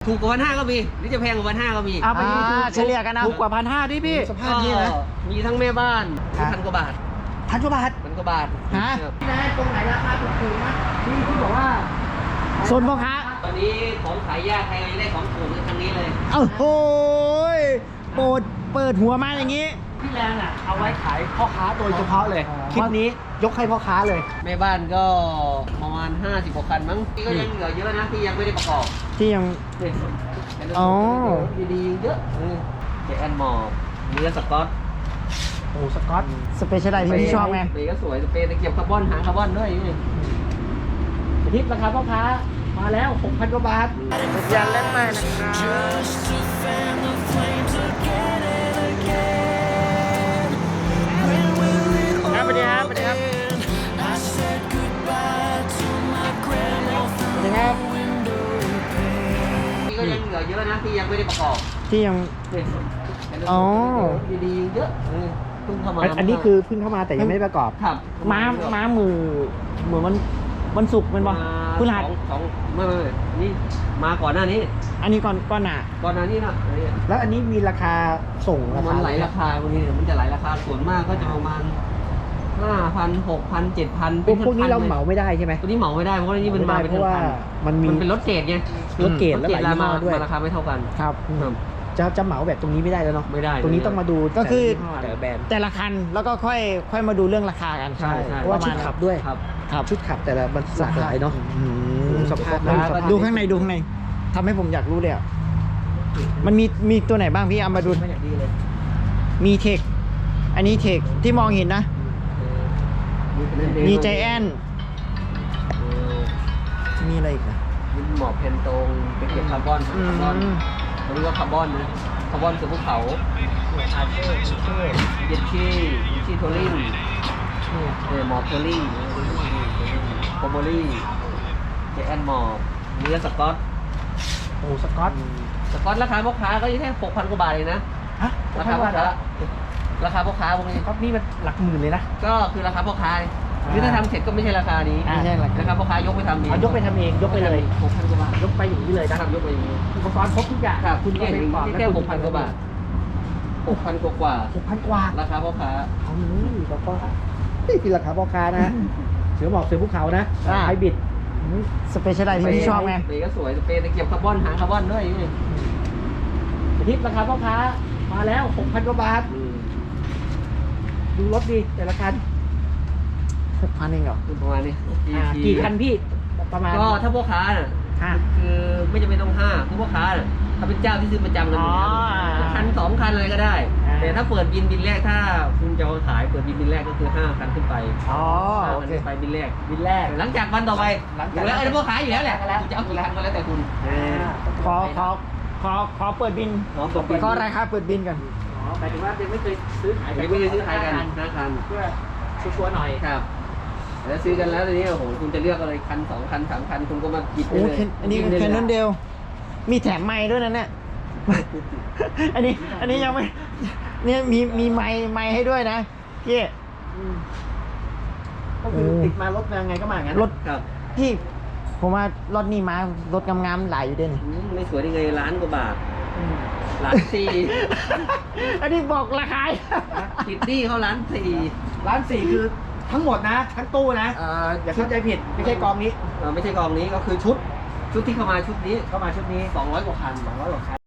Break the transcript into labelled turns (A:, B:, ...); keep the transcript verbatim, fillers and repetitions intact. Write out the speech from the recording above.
A: ถูกกว่าพันห้าก็มีหรือจะแพงกว่าพันห้าก็มี
B: เอาไปดูถูก
C: เฉลี่ยกันนะ
B: ถูกกว่าพันห้าดิพี่
C: สภาพนี้นะ
A: ก็มีทั้งแม่บ้าน
C: ครับ
A: พันกว่าบาท
C: พันกว่าบาท
A: พันกว่าบาท
C: ฮะ
A: ครับ
B: พี่นายตรงไหนราคาถูกๆนะพี่พี่บอกว่า
C: โซนพ่อค้า
A: ตอนนี้ของขายยากใครได้ของถูกในครั้งนี้เลย
C: เอ้าโหยโปรดเปิดหัวมาอย่างนี้
B: พี่แรงอ่ะเอาไว้ขายพ่อค้าโดยเฉพาะเลย คลิปนี้ยกให้พ่อค้าเลย
A: แม่บ้านก็ประมาณห้าสิบกว่าคันมั้งที่ก็ยังเหลือเยอะนะที่ยังไม่ได้ประกอบ
C: ที่ยัง
A: เนี่ย
C: อ๋อ
A: ดีๆเยอะเออเจแอนมอร์เนื้อสกอต
B: โอ้สกอต
C: สเปเชียลไดที่พี่ชอบไง
A: เปรย์ก็สวยเปรย์ตะเกียบคาร์บอนหางคาร์บอนด้วยนี่
B: ทิปราคาพ่อค้ามาแล้วหกพันกว่าบาท
C: ยันเล่นใหม่นะครับครับสวัสดีครับสวัสดีครับสวัสดีครับ
A: ที่ก็ยังเหลือเยอะนะที่ยังไม่ได้ประกอบ
C: ที่ยัง
A: เนี่ย
C: อ๋อ
A: ดีๆเยอะเออเพิ่งเข้ามา
B: อันอันนี้คือเพิ่งเข้ามาแต่ยังไม่ได้ประกอบ
A: ครับ
C: ม้าม้ามือเหมือนมันมันสุกร์มันบ่คุณหัด
A: สองสองไม่ไม่ไม่นี่มาก่อนหน้านี้
C: อันนี้ก่อนก่อนหนา
A: ก่อนหน้านี้นะอันนี้
B: แล้วอันนี้มีราคาส่งรา
A: มั
B: คาน
A: ไหลราคาบางทีมันจะไหลราคาส่วนมากก็จะประมาณห้าพันหกพันเจ็ดพัน
B: พวกพวกนี้เราเหมาไม่ได้ใช่ไหม
A: ตัวนี้เหมาไม่ได้เพราะว่านี่มันมาเป็น
B: เพราะว่า
A: พัน
B: มันมี
A: มันเป็นรถเกรดไง
B: รถเกรด
A: รถ
B: และ
A: เก
B: ห
A: ร
B: ลา
A: ด
B: ยยี่ห้
A: มา
B: อด้วย
A: มาราคาไม่เท่ากัน
B: ครับ
A: ครับ
B: จะจะเหมาแบบตรงนี้ไม่ได้แล้วเนาะ
A: ไม่ได้
B: ตรงนี้ต้องมาดู
C: ก็คือ
B: แต่ละแบรนด์
C: แต่ละคันแล้วก็ค่อยค่อยมาดูเรื่องราคากัน
A: ใช่ใช่
B: เพราะว่าชุดขับด้วย
A: ครับ
C: ครับ
B: ชุดขับแต่ละมันหลากหลายเนาะ
C: อืม
B: สภาพ
A: ดู
B: สภาพ
C: ดูข้างในดูข้างในทำให้ผมอยากรู้เลยอ่ะมันมีมีตัวไหนบ้างพี่เอามาดู
B: ไม่อย่างดีเลย
C: มีเทคอันนี้เทคที่มองเห็นนะ มีใจแอน
A: เออ
C: มีอะไรอีกนะ
A: มีหมอบเพนตรงไปเก็บคาร์บอน
C: อื
A: คาร์บอน
C: ม
A: เขาเรียกว่าคาร์บอนนะคาร์บอนคือภูเขา
B: อาเช่เช่
A: เยนชี่เยนชี่โทลิงเออหมอบโทลิงโคโบลี่เจแอนหมอบเนื้อสกอต
B: โอ้สกอต
A: สกอตราคาพ่อค้าก็อยู่แค่หกพันกว่าบาทเองนะ
B: ฮะ
A: ราคาพ่อค้าราคาพ่อค้าพวกนี้
B: สกอตนี่มันหลักหมื่นเลยนะ
A: ก็คือราคาพ่อค้า
B: อ่า
A: คือถ้าทำเสร็จก็ไม่ใช่ราคานี้
B: อ่า
C: ไม่ใช่หรอก
A: ราคาพ่อค้ายกไปทำเอง
B: เอายกไปทำเองยกไปเลย
A: หกพันกว่าบาท
B: ยกไปอย่างนี้เลยนะ
A: นะครับยกไปอย่างนี้
B: อุปกรณ์ครบทุกอย่าง
A: ครับ
B: คุณ
A: นี่
B: ก็ไปประกอบ
A: แค่หกพันกว่าบาทหกพันกว่า
B: หกพันกว่า
A: ราคาพ่อค้า
B: เอานี่พ่อค้านี่คือราคาพ่อค้านะเสือหมอกเสือภูเขานะไฮบริด
C: สเปเชียลไดที่พี่ชอบไง
A: เปรย์ก็สวยเปรย์ตะเกียบคาร์บอนหางคาร์บอนด้วยนี่
B: ทิปราคาพ่อค้ามาแล้วหกพันกว่าบาท
A: อืม
B: ดูรถดีแต่ละคัน
C: หกพันเองเหรอ
A: ประมาณนี้
B: อ่ากี่คันพี่ประมาณ
A: ก็ถ้าพ่อค้าน่ะ
B: ห้า
A: คือไม่จำเป็นต้องห้าคือพ่อค้าน่ะถ้าเป็นเจ้าที่ซื้อประจำกันอยู่แล้ว
B: อ๋อ
A: คันสองคันอะไรก็ได้
B: อ่า
A: แต่ถ้าเปิดบินบินแรกถ้าคุณจะเอาขายเปิดบินบินแรกก็คือห้าคันขึ้นไป
B: อ๋อ
A: ห้า
B: โอ
A: คัน
B: เค
A: ขึ้นไปบินแรก
B: บินแรก
A: หลังจากวันต่อไป
B: หลัง
A: อ
B: จาก
A: ยู่แล้วเออพ่อขายอยู่แล้วแหละ
B: แล้ว
A: คุณจะเอากี่คันก็แล้วแต่คุณ
B: อ่า
C: ขอขอขอขอเปิดบิน
A: อ๋อเปิดบิน
C: ขอราคาเปิดบินกัน
B: อ๋อหมายถึงว่ายังไม่เคยซื้อขาย
A: ยังไม่ได้ซื้อขายกันห้าคัน
B: เพื่อชัวร์ๆหน่อย
A: ครับแล้วซื้อกันแล้วทีนี้โอ้โหคุณจะเลือกอะไรคันสองคันสามคันคุณก็มากิน
C: โอ้
A: ได้เลย
C: แค่อันนี้
A: กิได้
C: แค่
A: เลย
C: นั้นเดียว มีแถมไม้ด้วยนะเนี่ย อันนี้ อันนี้ยังไม่ เนี่ยมีมีไม้ไม้ให้ด้วยนะพี่
B: ก็คือติดมารถมาไงก็มาอย่างนั้น
C: รถ
A: ครับ
C: พี่ ผมว่ารถนี่มารถงามๆหลายอยู่เด่น
A: อืมไม่สวยได้ไงล้านกว่าบาทล้านสี่
C: อันนี้บอกราคา
A: ติดหนี้เขาล้านสี่
B: ร้านสี่คือทั้งหมดนะ ทั้งตู้นะ
A: เอ่อ
B: อย่าเข้าใจผิดไม่ใช่กองนี้
A: เอ่อไม่ใช่กองนี้ก็คือชุด ชุดที่เข้ามาชุดนี้
B: เข้ามาชุดนี้
A: สองร้อยกว่าคัน
B: สองร้อยกว่าคัน